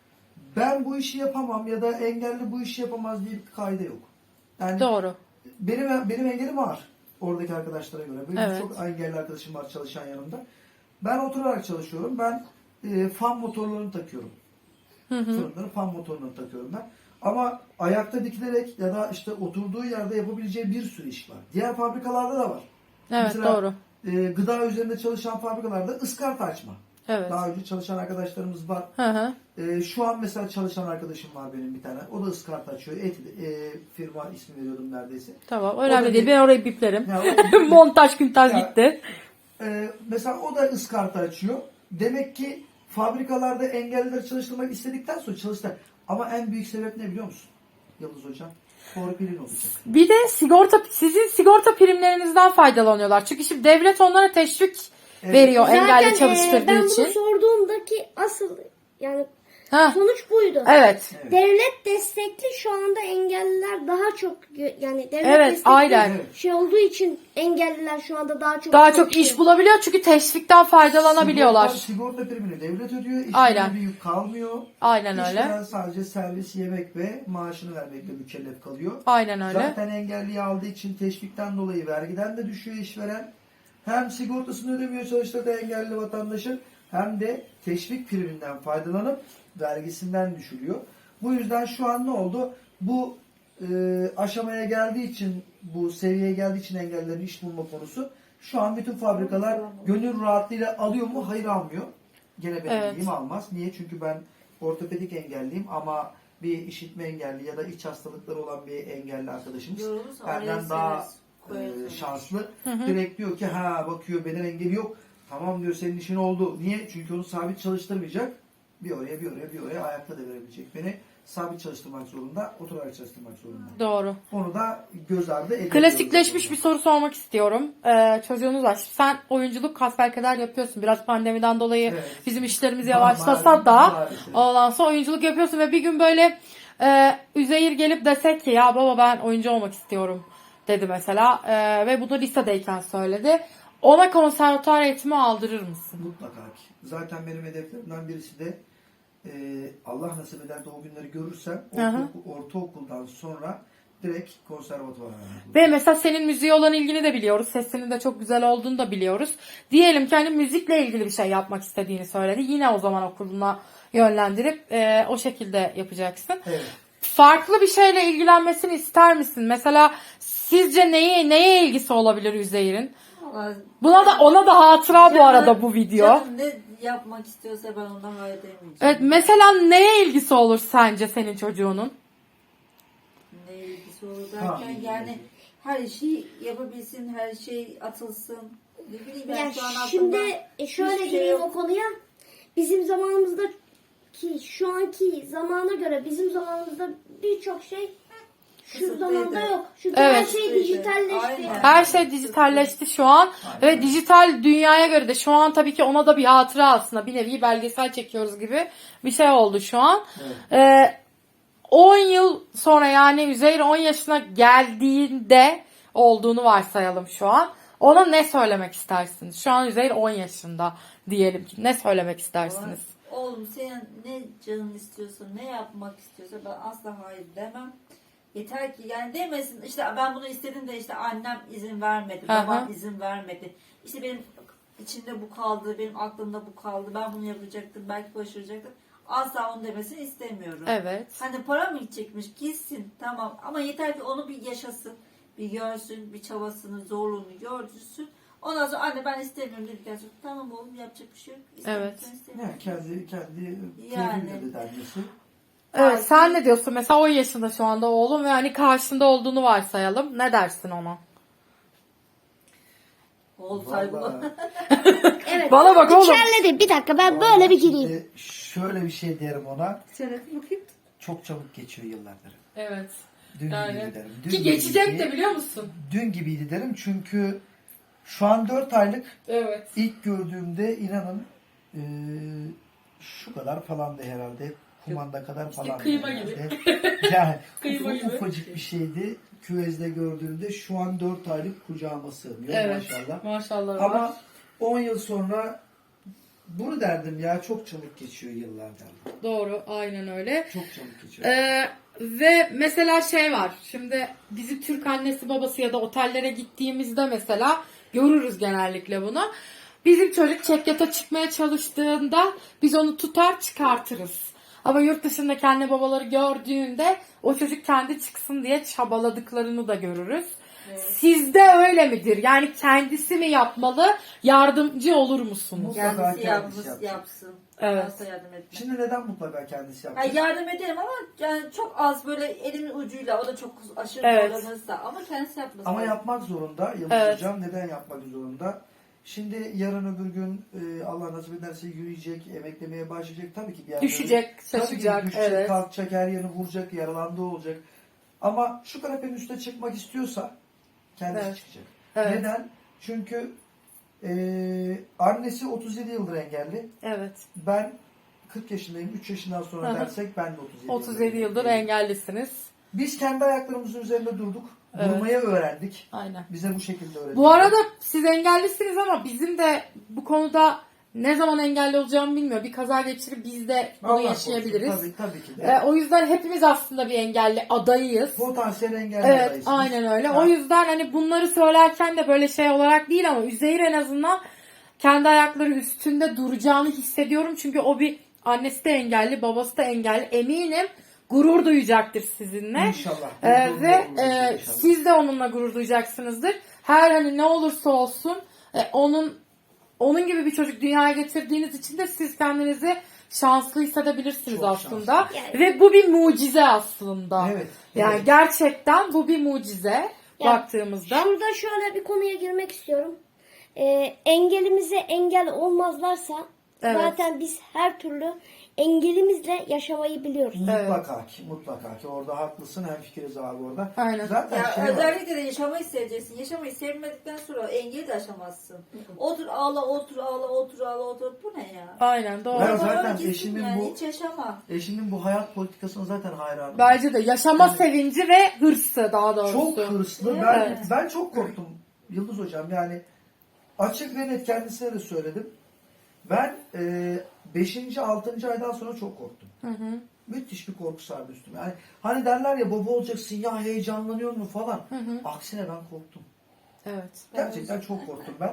[SPEAKER 4] ben bu işi yapamam ya da engelli bu işi yapamaz diye bir kaide yok. Yani
[SPEAKER 1] Doğru.
[SPEAKER 4] benim benim engelim var oradaki arkadaşlara göre. Benim
[SPEAKER 1] Evet.
[SPEAKER 4] çok engelli arkadaşım var çalışan yanımda. Ben oturarak çalışıyorum. Ben e, fan motorlarını takıyorum.
[SPEAKER 1] Hı hı.
[SPEAKER 4] Fırınların fan motorunu takıyorum ben. Ama ayakta dikilerek ya da işte oturduğu yerde yapabileceği bir sürü iş var. Diğer fabrikalarda da var.
[SPEAKER 1] Evet,
[SPEAKER 4] Mesela,
[SPEAKER 1] doğru.
[SPEAKER 4] e, gıda üzerinde çalışan fabrikalarda ıskarta açma.
[SPEAKER 1] Evet.
[SPEAKER 4] Daha önce çalışan arkadaşlarımız var.
[SPEAKER 1] Hı hı.
[SPEAKER 4] E, şu an mesela çalışan arkadaşım var benim bir tane. O da ıskarta açıyor. Et, e, firma ismi veriyordum neredeyse.
[SPEAKER 1] Tamam.
[SPEAKER 4] O da
[SPEAKER 1] Önemli değil.
[SPEAKER 4] bir-
[SPEAKER 1] Ben orayı biplerim.
[SPEAKER 4] Ya o-
[SPEAKER 1] Montaj güntaj
[SPEAKER 4] Ya-
[SPEAKER 1] gitti.
[SPEAKER 4] e, mesela o da ıskarta açıyor. Demek ki fabrikalarda engellileri çalıştırmak istedikten sonra çalıştılar. Ama en büyük sebep ne biliyor musun? Yıldız Hocam. Torpilin olacak.
[SPEAKER 1] Bir de sigorta, sizin sigorta primlerinizden faydalanıyorlar. Çünkü şimdi devlet onlara teşvik
[SPEAKER 4] Evet.
[SPEAKER 1] veriyor
[SPEAKER 3] Zaten
[SPEAKER 1] engelli
[SPEAKER 3] e,
[SPEAKER 1] çalıştırdığı
[SPEAKER 3] ben
[SPEAKER 1] için.
[SPEAKER 3] bunu sorduğumdaki asıl yani
[SPEAKER 1] Ha,
[SPEAKER 3] sonuç buydu.
[SPEAKER 1] evet.
[SPEAKER 4] Evet.
[SPEAKER 3] Devlet destekli şu anda engelliler daha çok yani devlet
[SPEAKER 1] Evet,
[SPEAKER 3] destekli
[SPEAKER 1] aynen.
[SPEAKER 4] Evet.
[SPEAKER 3] şey olduğu için engelliler şu anda daha çok
[SPEAKER 1] Daha çok
[SPEAKER 3] çalışıyor.
[SPEAKER 1] iş bulabiliyor çünkü teşvikten faydalanabiliyorlar.
[SPEAKER 4] Sigorta, sigorta primini devlet ödüyor.
[SPEAKER 1] Aynen.
[SPEAKER 4] İşlerine bir yük kalmıyor.
[SPEAKER 1] Aynen öyle.
[SPEAKER 4] İşveren sadece servis, yemek ve maaşını vermekle mükellef kalıyor.
[SPEAKER 1] Aynen öyle.
[SPEAKER 4] Zaten engelliyi aldığı için teşvikten dolayı vergiden de düşüyor işveren. Hem sigortasını ödemiyor çalıştırdığı engelli vatandaşın hem de teşvik priminden faydalanıp vergisinden düşülüyor. Bu yüzden şu an ne oldu? Bu e, aşamaya geldiği için, bu seviyeye geldiği için engellilerin iş bulma konusu şu an bütün fabrikalar gönül rahatlığıyla alıyor mu? Hayır, almıyor. Gene benim
[SPEAKER 1] Evet.
[SPEAKER 4] bildiğim almaz. Niye? Çünkü ben ortopedik engelliyim ama bir işitme engelli ya da iç hastalıkları olan bir engelli arkadaşımız
[SPEAKER 2] Yorulursa
[SPEAKER 4] benden
[SPEAKER 2] oraya
[SPEAKER 4] daha
[SPEAKER 2] sereriz, koyarız
[SPEAKER 4] e,
[SPEAKER 2] onu.
[SPEAKER 4] şanslı. Direkt diyor ki ha bakıyor beden engeli yok. Tamam diyor, senin işin oldu. Niye? Çünkü onu sabit çalıştırmayacak. Bir oraya bir oraya bir oraya ayakta da verebilecek. Beni sabit çalıştırmak zorunda, oturarak çalıştırmak zorunda.
[SPEAKER 1] Doğru.
[SPEAKER 4] Onu da göz ardı ediyoruz.
[SPEAKER 1] Klasikleşmiş bir soru sormak istiyorum. Ee, çocuğunuz var. Sen oyunculuk hasbelkader yapıyorsun. Biraz pandemiden dolayı
[SPEAKER 4] Evet.
[SPEAKER 1] bizim işlerimiz
[SPEAKER 4] Ma-
[SPEAKER 1] yavaşlasa
[SPEAKER 4] maalesef,
[SPEAKER 1] da
[SPEAKER 4] maalesef.
[SPEAKER 1] ondan sonra oyunculuk yapıyorsun ve bir gün böyle e, Üzeyir gelip desek ki ya baba ben oyuncu olmak istiyorum dedi mesela. E, ve bunu lisedeyken söyledi. Ona konservatuar eğitimi aldırır mısın?
[SPEAKER 4] Mutlaka ki. Zaten benim hedeflerimden birisi de e, Allah nasip eder de o günleri görürsem
[SPEAKER 1] Hı hı.
[SPEAKER 4] ortaokul, ortaokuldan sonra direkt konservatuvara vermek.
[SPEAKER 1] Ve mesela senin müziğe olan ilgini de biliyoruz. Sesinin de çok güzel olduğunu da biliyoruz. Diyelim ki hani müzikle ilgili bir şey yapmak istediğini söyledi. Yine o zaman okuluna yönlendirip e, o şekilde yapacaksın.
[SPEAKER 4] Evet.
[SPEAKER 1] Farklı bir şeyle ilgilenmesini ister misin? Mesela sizce neye neye ilgisi olabilir Üzeyir'in?
[SPEAKER 2] Vallahi
[SPEAKER 1] Buna da ona da hatıra bu arada bu video.
[SPEAKER 2] Canım ne yapmak istiyorsa ben ondan hayır demeyeceğim.
[SPEAKER 1] Evet, mesela neye ilgisi olur sence senin çocuğunun?
[SPEAKER 2] Ne ilgisi olur derken
[SPEAKER 4] Ha.
[SPEAKER 2] yani her işi yapabilsin, her şey atılsın. Ne bileyim ben
[SPEAKER 3] Yani
[SPEAKER 2] şu an
[SPEAKER 3] şimdi
[SPEAKER 2] aklımda
[SPEAKER 3] e, şöyle
[SPEAKER 2] hiçbir şey
[SPEAKER 3] gireyim
[SPEAKER 2] yok.
[SPEAKER 3] o konuya. Bizim zamanımızda ki şu anki zamana göre bizim zamanımızda birçok şey Şu zamanda yok. Çünkü
[SPEAKER 1] Evet.
[SPEAKER 3] her şey dijitalleşti.
[SPEAKER 2] Aynen.
[SPEAKER 1] Her şey dijitalleşti şu an ve dijital dünyaya göre de şu an tabii ki ona da bir hatıra aslında bir nevi belgesel çekiyoruz gibi bir şey oldu şu an.
[SPEAKER 4] Evet.
[SPEAKER 1] Ee, on yıl sonra yani Üzeyir on yaşına geldiğinde olduğunu varsayalım şu an. Ona ne söylemek istersiniz? Şu an Üzeyir on yaşında diyelim ki. Ne söylemek istersiniz?
[SPEAKER 2] Oğlum senin ne canın istiyorsa, ne yapmak istiyorsa ben asla hayır demem. Yeter ki yani demesin işte ben bunu istedim de işte annem izin vermedi,
[SPEAKER 1] Hı hı.
[SPEAKER 2] babam izin vermedi. İşte benim içimde bu kaldı, benim aklımda bu kaldı, ben bunu yapacaktım, belki başaracaktım. Asla onu demesini istemiyorum.
[SPEAKER 1] Evet.
[SPEAKER 2] Hani para mı gidecekmiş gitsin tamam ama yeter ki onu bir yaşasın, bir görsün, bir çabasını, zorluğunu görsün. Ondan sonra anne ben istemiyorum dedikten sonra tamam oğlum yapacak bir şey yok.
[SPEAKER 1] Evet.
[SPEAKER 2] İstemiyorsan istemiyorum.
[SPEAKER 4] Yani kendi kendi
[SPEAKER 2] Yani.
[SPEAKER 4] keyfiyle de denmesi.
[SPEAKER 1] Evet, sen ne diyorsun? Mesela on yaşında şu anda oğlum ve hani karşında olduğunu varsayalım. Ne dersin ona?
[SPEAKER 2] Oğul sahibi.
[SPEAKER 4] Vallahi,
[SPEAKER 3] Evet.
[SPEAKER 1] Bana bak oğlum.
[SPEAKER 3] İçerledi. Bir dakika ben böyle bir gireyim.
[SPEAKER 4] şimdi şöyle bir şey derim ona.
[SPEAKER 2] Şöyle bakayım.
[SPEAKER 4] Çok çabuk geçiyor yıllardır.
[SPEAKER 1] Evet.
[SPEAKER 4] Dün
[SPEAKER 1] Yani.
[SPEAKER 4] gibiydi derim. Dün
[SPEAKER 1] Ki geçecek
[SPEAKER 4] gibiydi.
[SPEAKER 1] de biliyor musun?
[SPEAKER 4] Dün gibiydi derim çünkü şu an dört aylık.
[SPEAKER 1] Evet.
[SPEAKER 4] İlk gördüğümde inanın eee, şu kadar falandı herhalde. Kumanda kadar
[SPEAKER 1] İşte
[SPEAKER 4] falan.
[SPEAKER 1] kıyma gibi.
[SPEAKER 4] Yani
[SPEAKER 1] Kıyma
[SPEAKER 4] uf-
[SPEAKER 1] gibi.
[SPEAKER 4] ufacık bir şeydi. Küvezde gördüğümde şu an dört aylık kucağıma sığmıyor
[SPEAKER 1] Evet.
[SPEAKER 4] maşallah.
[SPEAKER 1] Maşallah. var.
[SPEAKER 4] Ama on yıl sonra bunu derdim ya çok çabuk geçiyor yıllar derdim.
[SPEAKER 1] Doğru. Aynen öyle.
[SPEAKER 4] Çok çabuk geçiyor.
[SPEAKER 1] Ee, ve mesela şey var. Şimdi bizi Türk annesi babası ya da otellere gittiğimizde mesela görürüz genellikle bunu. Bizim çocuk çekyata çıkmaya çalıştığında biz onu tutar çıkartırız. Ama yurt dışındaki anne babaları gördüğünde o çocuk kendi çıksın diye çabaladıklarını da görürüz. Sizde öyle midir? Yani kendisi mi yapmalı? Yardımcı olur musunuz?
[SPEAKER 4] Mutlaka
[SPEAKER 2] Kendisi
[SPEAKER 4] kendisi
[SPEAKER 2] yapmış,
[SPEAKER 4] yapacak.
[SPEAKER 2] yapsın.
[SPEAKER 1] Evet.
[SPEAKER 2] Asla yardım etme.
[SPEAKER 4] Şimdi neden mutlaka kendisi
[SPEAKER 2] Ha,
[SPEAKER 4] yapacak?
[SPEAKER 2] yardım ederim ama yani çok az böyle elimin ucuyla o da çok aşırı
[SPEAKER 1] Evet.
[SPEAKER 2] zorlanırsa ama kendisi yapmasın.
[SPEAKER 4] Ama yapmak zorunda. Yıldız
[SPEAKER 1] Evet.
[SPEAKER 4] Hocam neden yapmak zorunda? Şimdi yarın öbür gün e, Allah nasip ederse yürüyecek, emeklemeye başlayacak. Tabii ki bir yerleri-
[SPEAKER 1] Düşecek,
[SPEAKER 4] Tabii ki
[SPEAKER 1] şaşacak.
[SPEAKER 4] düşecek,
[SPEAKER 1] Evet.
[SPEAKER 4] kalkacak, her yerini vuracak, yaralandığı olacak. Ama şu kanepenin üstüne çıkmak istiyorsa kendisi
[SPEAKER 1] Evet.
[SPEAKER 4] çıkacak.
[SPEAKER 1] Evet.
[SPEAKER 4] Neden? Çünkü e, annesi otuz yedi yıldır engelli.
[SPEAKER 1] Evet.
[SPEAKER 4] Ben kırk yaşındayım. üç yaşından sonra
[SPEAKER 1] Hı hı.
[SPEAKER 4] dersek ben de otuz yedi,
[SPEAKER 1] otuz yedi yıldır
[SPEAKER 4] engelli.
[SPEAKER 1] engellisiniz.
[SPEAKER 4] Biz kendi ayaklarımızın üzerinde durduk.
[SPEAKER 1] Evet.
[SPEAKER 4] Durmayı öğrendik.
[SPEAKER 1] Aynen.
[SPEAKER 4] Bize bu şekilde öğretildi.
[SPEAKER 1] Bu arada siz engellisiniz ama bizim de bu konuda ne zaman engelli olacağımı bilmiyor. Bir kaza geçirip biz de bunu
[SPEAKER 4] Allah
[SPEAKER 1] yaşayabiliriz.
[SPEAKER 4] korusun, Tabii, tabii ki de.
[SPEAKER 1] Ee, o yüzden hepimiz aslında bir engelli adayıyız.
[SPEAKER 4] Potansiyel engelli
[SPEAKER 1] Evet,
[SPEAKER 4] adayısınız.
[SPEAKER 1] aynen öyle.
[SPEAKER 4] Ha.
[SPEAKER 1] O yüzden hani bunları söylerken de böyle şey olarak değil ama Üzeyir en azından kendi ayakları üstünde duracağını hissediyorum. Çünkü o bir annesi de engelli, babası da engelli. Eminim gurur duyacaktır sizinle.
[SPEAKER 4] İnşallah.
[SPEAKER 1] Ee,
[SPEAKER 4] Gurur
[SPEAKER 1] ve
[SPEAKER 4] duyuyoruz
[SPEAKER 1] e,
[SPEAKER 4] inşallah.
[SPEAKER 1] siz de onunla gurur duyacaksınızdır. Her hani ne olursa olsun e, onun onun gibi bir çocuk dünyaya getirdiğiniz için de siz kendinizi şanslı hissedebilirsiniz
[SPEAKER 4] Çok
[SPEAKER 1] aslında.
[SPEAKER 4] şanslı.
[SPEAKER 3] Yani-
[SPEAKER 1] Ve bu bir mucize aslında.
[SPEAKER 4] Evet.
[SPEAKER 1] Yani
[SPEAKER 4] evet.
[SPEAKER 1] gerçekten bu bir mucize baktığımızda.
[SPEAKER 3] Şurada şöyle bir konuya girmek istiyorum. Ee, engelimize engel olmazlarsa
[SPEAKER 1] Evet.
[SPEAKER 3] zaten biz her türlü engelimizle yaşamayı biliyoruz.
[SPEAKER 4] Mutlaka ki, mutlaka ki. Orada haklısın. Hemfikiriz abi orada.
[SPEAKER 1] Aynen.
[SPEAKER 4] Zaten
[SPEAKER 2] Ya
[SPEAKER 4] şey var.
[SPEAKER 2] özellikle de yaşamayı seveceksin. Yaşamayı sevmedikten sonra engeli de aşamazsın. Otur ağla, otur ağla, otur ağla, otur. Bu ne ya?
[SPEAKER 1] Aynen doğru.
[SPEAKER 4] Ben
[SPEAKER 2] Sonra
[SPEAKER 4] zaten
[SPEAKER 2] gitsin
[SPEAKER 4] eşimin
[SPEAKER 2] yani,
[SPEAKER 4] bu-
[SPEAKER 2] hiç yaşama.
[SPEAKER 4] Eşimin bu hayat politikasına zaten hayranım.
[SPEAKER 1] Bence de yaşama sevinci ve hırsı daha doğrusu.
[SPEAKER 4] Çok hırslı. Ben,
[SPEAKER 1] Evet.
[SPEAKER 4] ben çok korktum Yıldız Hocam. Yani açık ve net kendisine de söyledim. Ben beşinci altıncı aydan sonra çok korktum.
[SPEAKER 1] Hı hı.
[SPEAKER 4] Müthiş bir korku sardı üstüme. Yani hani derler ya baba olacaksın ya heyecanlanıyor mu falan.
[SPEAKER 1] Hı hı.
[SPEAKER 4] Aksine ben korktum.
[SPEAKER 1] Evet.
[SPEAKER 4] Gerçekten çok korktum ben.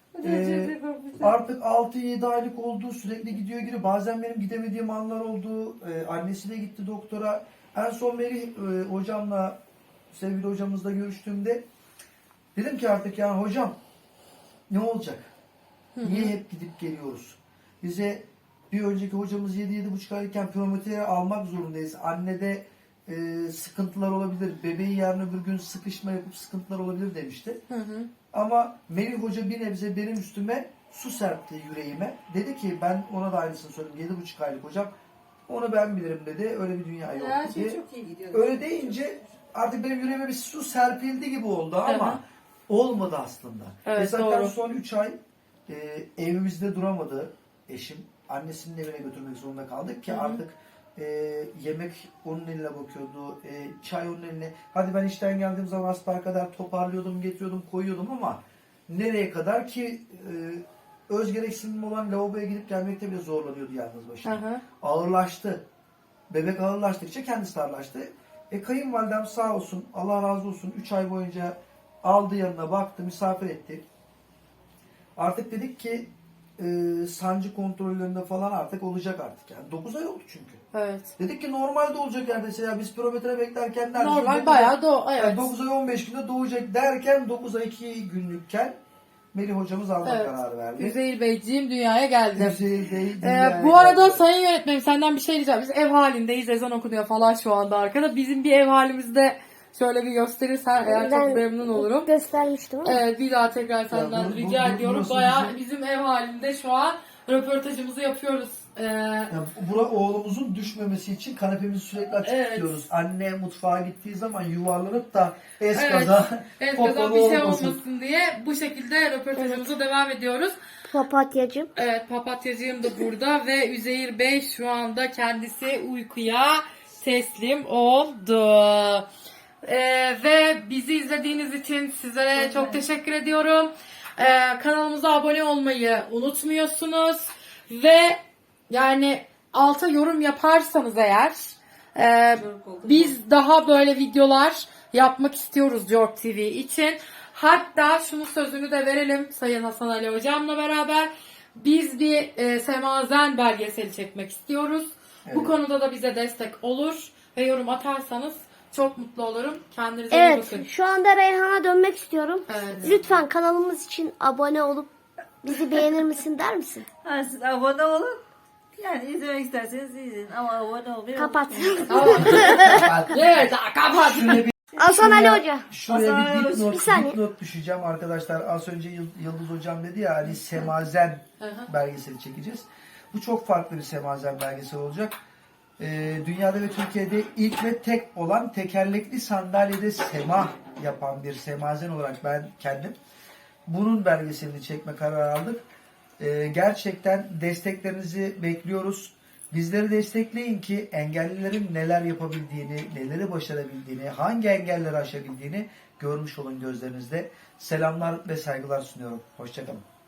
[SPEAKER 4] Ee, artık altı yedi aylık oldu. Sürekli gidiyor geri. Bazen benim gidemediğim anlar oldu. Ee, annesi de gitti doktora. En son Melih e, hocamla, sevgili hocamızla görüştüğümde dedim ki artık yani hocam ne olacak? Niye hep gidip geliyoruz? Bize bir önceki hocamız yedi yedi buçuk aylıkken piyometreye almak zorundayız. Annede e, sıkıntılar olabilir. Bebeği yarın öbür gün sıkışma yapıp sıkıntılar olabilir demişti.
[SPEAKER 1] Hı hı.
[SPEAKER 4] Ama Melih Hoca bir nebze benim üstüme su serpti yüreğime. Dedi ki ben ona da aynısını söyledim. Yedi buçuk aylık hocam. Onu ben bilirim dedi. Öyle bir dünya yok
[SPEAKER 2] Her şey
[SPEAKER 4] diye.
[SPEAKER 2] çok iyi gidiyor.
[SPEAKER 4] Öyle deyince artık benim yüreğime bir su serpildi gibi oldu ama
[SPEAKER 1] Hı hı.
[SPEAKER 4] olmadı aslında.
[SPEAKER 1] Evet,
[SPEAKER 4] Ve zaten
[SPEAKER 1] doğru.
[SPEAKER 4] son üç ay e, evimizde duramadı eşim. Annesinin evine götürmek zorunda kaldık ki
[SPEAKER 1] Hı hı.
[SPEAKER 4] artık e, yemek onun eline bakıyordu, e, çay onun eline. Hadi ben işten geldiğim zaman asperkader toparlıyordum, getiriyordum, koyuyordum ama nereye kadar ki e, öz gereksinim olan lavaboya gidip gelmekte bile zorlanıyordu yalnız başına.
[SPEAKER 1] Hı hı.
[SPEAKER 4] Ağırlaştı. Bebek ağırlaştıkça kendisi ağırlaştı. E kayınvalidem sağ olsun, Allah razı olsun üç ay boyunca aldı yanına, baktı, misafir etti. Artık dedik ki e, sancı kontrollerinde falan artık olacak artık. Yani dokuz ay oldu çünkü.
[SPEAKER 1] Evet.
[SPEAKER 4] Dedik ki normalde olacak neredeyse ya biz pirometre beklerken neredeyse
[SPEAKER 1] Normal
[SPEAKER 4] dokuz
[SPEAKER 1] bayağı
[SPEAKER 4] ay-
[SPEAKER 1] da evet.
[SPEAKER 4] yani dokuz ay on beş günde doğacak derken dokuz ay iki günlükken Melih hocamız alma
[SPEAKER 1] Evet.
[SPEAKER 4] kararı verdi.
[SPEAKER 1] Üzeyir Beyciğim dünyaya geldi.
[SPEAKER 4] Üzeyir Bey
[SPEAKER 1] Ee,
[SPEAKER 4] dünyaya
[SPEAKER 1] bu arada
[SPEAKER 4] geldi.
[SPEAKER 1] sayın yönetmenim senden bir şey diyeceğim. Biz ev halindeyiz. Ezan okunuyor falan şu anda arkada. Bizim bir ev halimizde şöyle bir gösterirsen eğer çok memnun olurum.
[SPEAKER 3] göstermiştim ama.
[SPEAKER 1] Evet, bir daha tekrar senden
[SPEAKER 4] bu- bu-
[SPEAKER 1] rica
[SPEAKER 4] bu-
[SPEAKER 1] ediyorum.
[SPEAKER 4] burası
[SPEAKER 1] Bayağı
[SPEAKER 4] bizim-
[SPEAKER 1] bizim ev halinde şu an röportajımızı yapıyoruz. Ee,
[SPEAKER 4] Ya, bura oğlumuzun düşmemesi için kanepemizi sürekli açık
[SPEAKER 1] Evet.
[SPEAKER 4] tutuyoruz. Anne mutfağa gittiği zaman yuvarlanıp da
[SPEAKER 1] Evet.
[SPEAKER 4] eskaza
[SPEAKER 1] evet,
[SPEAKER 4] popalı
[SPEAKER 1] kazan bir şey
[SPEAKER 4] olmasın.
[SPEAKER 1] olmasın diye bu şekilde röportajımıza devam ediyoruz.
[SPEAKER 3] Papatyacım.
[SPEAKER 1] Evet, papatyacığım da burada ve Üzeyir Bey şu anda kendisi uykuya teslim oldu. Ee, ve bizi izlediğiniz için sizlere çok teşekkür ediyorum. Ee, kanalımıza abone olmayı unutmuyorsunuz. Ve yani alta yorum yaparsanız eğer e, biz daha böyle videolar yapmak istiyoruz Jork T V için. Hatta şunu sözünü de verelim Sayın Hasan Ali Hocam'la beraber. Biz bir e, Semazen belgeseli çekmek istiyoruz. Bu
[SPEAKER 4] Evet.
[SPEAKER 1] konuda da bize destek olur ve yorum atarsanız çok mutlu olurum. Kendinize iyi
[SPEAKER 3] Evet,
[SPEAKER 1] bakın.
[SPEAKER 3] şu anda Reyhan'a dönmek istiyorum.
[SPEAKER 1] Evet.
[SPEAKER 3] Lütfen kanalımız için abone olup bizi beğenir misin der misin?
[SPEAKER 2] Ha, siz abone olun. Yani izlemek isterseniz izleyin ama abone olmayı
[SPEAKER 3] Kapat.
[SPEAKER 1] Tamam. Evet, kapat.
[SPEAKER 4] Şuraya bir,
[SPEAKER 3] Hasan Ali Hoca.
[SPEAKER 4] şuraya
[SPEAKER 2] Hasan Ali
[SPEAKER 4] bir
[SPEAKER 2] Hoca,
[SPEAKER 4] dipnot,
[SPEAKER 3] bir saniye.
[SPEAKER 4] dipnot düşeceğim arkadaşlar. Az önce Yıl- Yıldız Hocam dedi ya hani Semazen
[SPEAKER 1] Hı hı.
[SPEAKER 4] belgeseli çekeceğiz. Bu çok farklı bir Semazen belgeseli olacak. Ee, dünyada ve Türkiye'de ilk ve tek olan tekerlekli sandalyede sema yapan bir semazen olarak ben kendim bunun belgeselini çekme kararı aldık. Ee, gerçekten desteklerinizi bekliyoruz. Bizleri destekleyin ki engellilerin neler yapabildiğini, neleri başarabildiğini, hangi engelleri aşabildiğini görmüş olun gözlerinizde. Selamlar ve saygılar sunuyorum. Hoşçakalın.